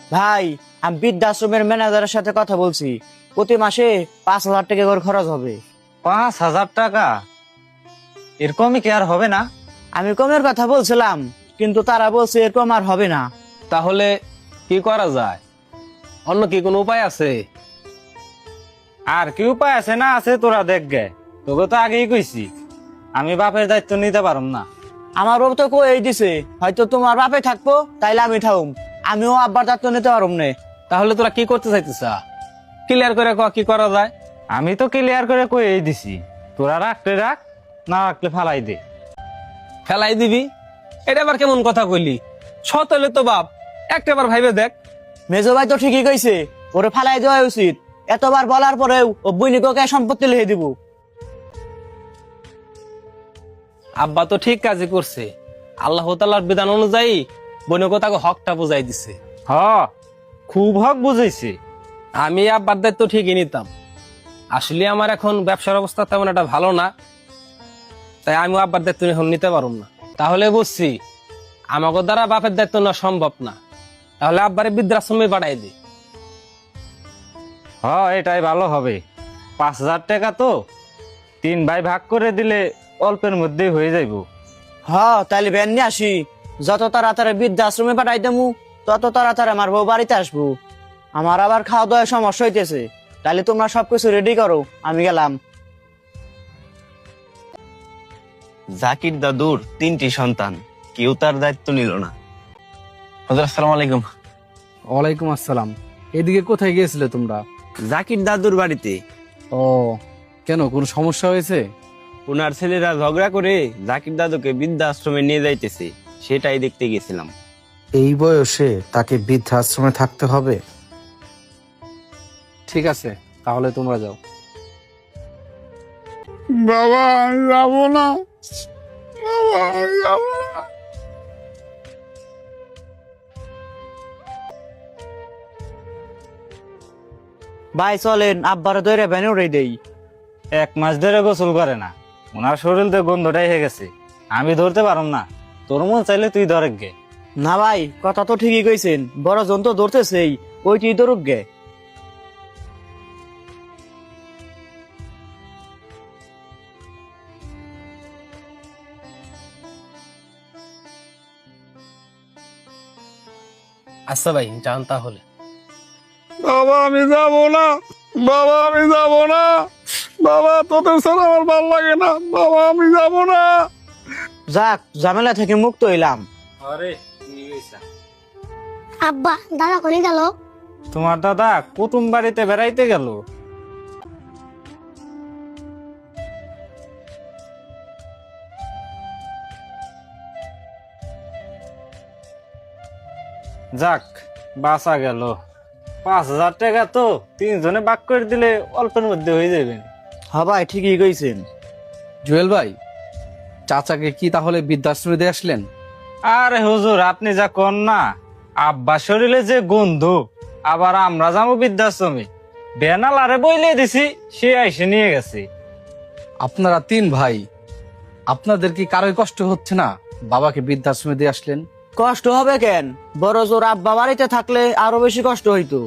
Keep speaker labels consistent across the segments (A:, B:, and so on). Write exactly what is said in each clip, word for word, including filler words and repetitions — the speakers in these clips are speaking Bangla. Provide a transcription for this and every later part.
A: ভাই, আমি বৃদ্ধাশ্রমের ম্যানেজারের সাথে কথা বলছি, প্রতি মাসে পাঁচ হাজার টাকা করে খরচ হবে।
B: পাঁচ হাজার টাকা? এরকমই কি আর হবে না?
A: আমি কমের কথা বলছিলাম, কিন্তু তারা বলছে এরকম আর হবে না।
C: তাহলে কি করা যায়? অন্য কি কোনো উপায় আছে?
B: আর কি উপায় আছে না আছে তোরা দেখ গে, তোকে তো আগেই কইছি আমি বাপের দায়িত্ব নিতে পারম না।
A: আমার বাবা তো কই দিছে, হয়তো তোমার বাপে থাকবো তাইলে আমি থাকুম, আমিও আব্বার দায়িত্ব নিতে পারুম না।
C: তাহলে তোরা কি করতে চাইতেছ? ক্লিয়ার করে ক কি করা যায়।
B: আমি তো ক্লিয়ার করে কই দিছি, তোরা রাখলে রাখ, না রাখলে ফালাই দে।
C: ফেলাই দিবি? এটা আবার কেমন কথা কইলি? সৎ হলে তো বাপ, একটাবার ভাইবে দেখ।
A: মেজো ভাই তো ঠিকই কইছে, ওরে ফালাই দেওয়া উচিত। এতবার বলার পরেও ও বৈনিককে সম্পত্তি লিখে দিব।
C: আব্বা তো ঠিক কাজই করছে, আল্লাহ তাআলার বিধান অনুযায়ী বইনকে তাকে হকটা বুঝাই দিছে।
B: হ, খুব হক বুঝাইছে।
C: আমি আব্বার দায়িত্ব ঠিকই নিতাম, আসলে আমার এখন ব্যবসার অবস্থা তেমন একটা ভালো না, তাই আমি আব্বার দায়িত্ব এখন নিতে পারুম না। তাহলে বুঝছি আমাকে দ্বারা বাপের দায়িত্ব নেওয়া সম্ভব না, তাহলে আব্বারে বৃদ্ধাশ্রমে পাঠাই দি।
B: হ, এটাই ভালো হবে। পাঁচ হাজার টাকা তো তিন ভাই ভাগ করে দিলে অল্পের মধ্যেই হয়ে যাইব।
A: হ, তাইলে ভ্যান নিয়ে আসি, যত তাড়াতাড়ি বৃদ্ধাশ্রমে পাঠাই দেবো তত তাড়াতাড়ি আমার বউ বাড়িতে আসবো। আমার আবার খাওয়া দাওয়ার সমস্যা হইতেছে, তাহলে তোমরা সবকিছু রেডি করো, আমি গেলাম।
D: জাকির দাদুর তিনটি সন্তান, কেউ তার দায়িত্ব নিল না।
E: হুজুর আসসালামু আলাইকুম।
F: ওয়ালাইকুম আসসালাম। এদিকে কোথায় গিয়েছিলে তোমরা?
D: জাকির দাদুর বাড়িতে।
F: ও, কেন, কোনো সমস্যা হয়েছে?
D: ওনার ছেলেরা ঝগড়া করে জাকির দাদুকে বৃদ্ধাশ্রমে নিয়ে যাইতেছে, সেটাই দেখতে গেছিলাম।
G: এই বয়সে তাকে বৃদ্ধাশ্রমে থাকতে হবে?
F: ঠিক আছে, তাহলে তোমরা যাও।
H: বাবা আমি যাবো না, বাবা আমি যাবো না।
A: ভাই চলেন, আব্বারে ধরে ভ্যানে উড়ে দেই।
B: এক মাস ধরে গোসল করে না, ওনার শরীর তো গন্ধটাই হয়ে গেছে, আমি ধরতে পারম না। তোর মন চাইলে তুই ধরে গে।
A: না ভাই, কথা তো ঠিকই কইছেন, বড় জন তো ধরতেছেই, ওইটি ধরুক গে।
C: আচ্ছা ভাই, যান তাহলে।
H: বাবা আমি যাবো না, বাবা আমি যাবো না, বাবা তোদের ছাড়া আমার ভালো লাগে না, বাবা আমি যাবো না।
A: যাক, ঝামেলা থেকে মুক্ত হইলাম।
B: আরে
I: আব্বা দাদা কোনে গেল?
B: তোমার দাদা কুটুম বাড়িতে বেড়াইতে গেল। যাক, বাঁচা গেল। পাঁচ হাজার টাকা তো তিনজনে ভাগ করে দিলে অল্পের মধ্যে হয়ে যাবে।
A: হ ভাই, ঠিকই কইছেন।
F: জুয়েল ভাই, চাচাকে কি তাহলে বৃদ্ধাশ্রমে দিয়ে আসলেন?
B: আরে হুজুর, আপনি যা কন না, আব্বা শরীরে যে গন্ধ, আবার আমরা যাবো বৃদ্ধাশ্রমে, বেনাল আরে বইলে দিছি, সে আইসে নিয়ে গেছে।
F: আপনারা তিন ভাই, আপনাদের কি কারোই কষ্ট হচ্ছে না বাবাকে বৃদ্ধাশ্রমে দিয়ে আসলেন?
A: কষ্ট হবে কেন, বড় জোর আব্বা বাড়িতে থাকলে আরো বেশি কষ্ট হইতো।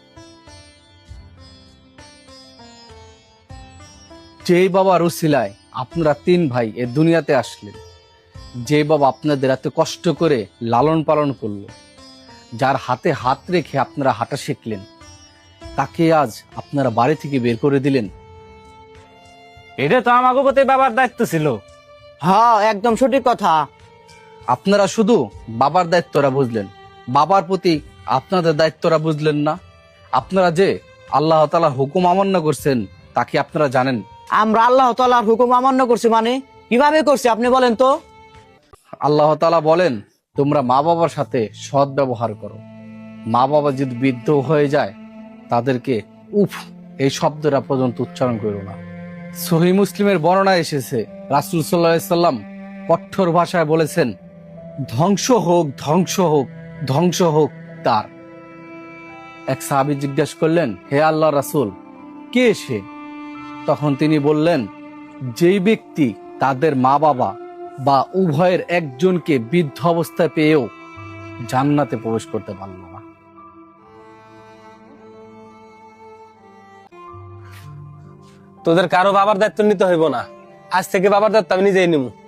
F: যেই বাবার উসিলায় আপনারা তিন ভাই এ দুনিয়াতে আসলেন, যে বাবা আপনাদের এত কষ্ট করে লালন পালন করলো, যার হাতে হাত রেখে আপনারা হাঁটা শিখলেন, তাকে আজ আপনারা বাড়ি থেকে বের করে দিলেন।
B: এটা তো আমাকে প্রতি বাবার দায়িত্ব ছিল।
A: হ্যাঁ, একদম সঠিক কথা।
F: আপনারা শুধু বাবার দায়িত্বরা বুঝলেন, বাবার প্রতি আপনাদের দায়িত্বরা বুঝলেন না। আপনারা যে আল্লাহ তাআলার হুকুম অমান্য করছেন তা কি আপনারা জানেন?
A: আমরা আল্লাহ তাআলার হুকুম অমান্য করছি মানে কিভাবে করছি আপনি বলেন তো?
F: আল্লাহ তাআলা বলেন, তোমরা মা বাবার সাথে সৎ ব্যবহার করো। মা বাবা যদি বৃদ্ধ হয়ে যায়, তাদেরকে উফ এই শব্দটা পর্যন্ত উচ্চারণ করো না। সহিহ মুসলিমের বর্ণনা এসেছে, রাসূল সাল্লাল্লাহু আলাইহি সাল্লাম কঠোর ভাষায় বলেছেন, ধ্বংস হোক, ধ্বংস হোক, ধ্বংস হোক তার। এক সাহাবী জিজ্ঞাসা করলেন, হে আল্লাহর রাসূল, কে সে? তখন তিনি বললেন, যেই ব্যক্তি তাদের মা বাবা বা উভয়ের একজনকে বৃদ্ধ অবস্থায় পেয়েও জান্নাতে প্রবেশ করতে পারল না।
C: তোদের কারো বাবার দায়িত্ব নিতে হইব না, আজ থেকে বাবার দায়িত্ব আমি নিজেই নিব।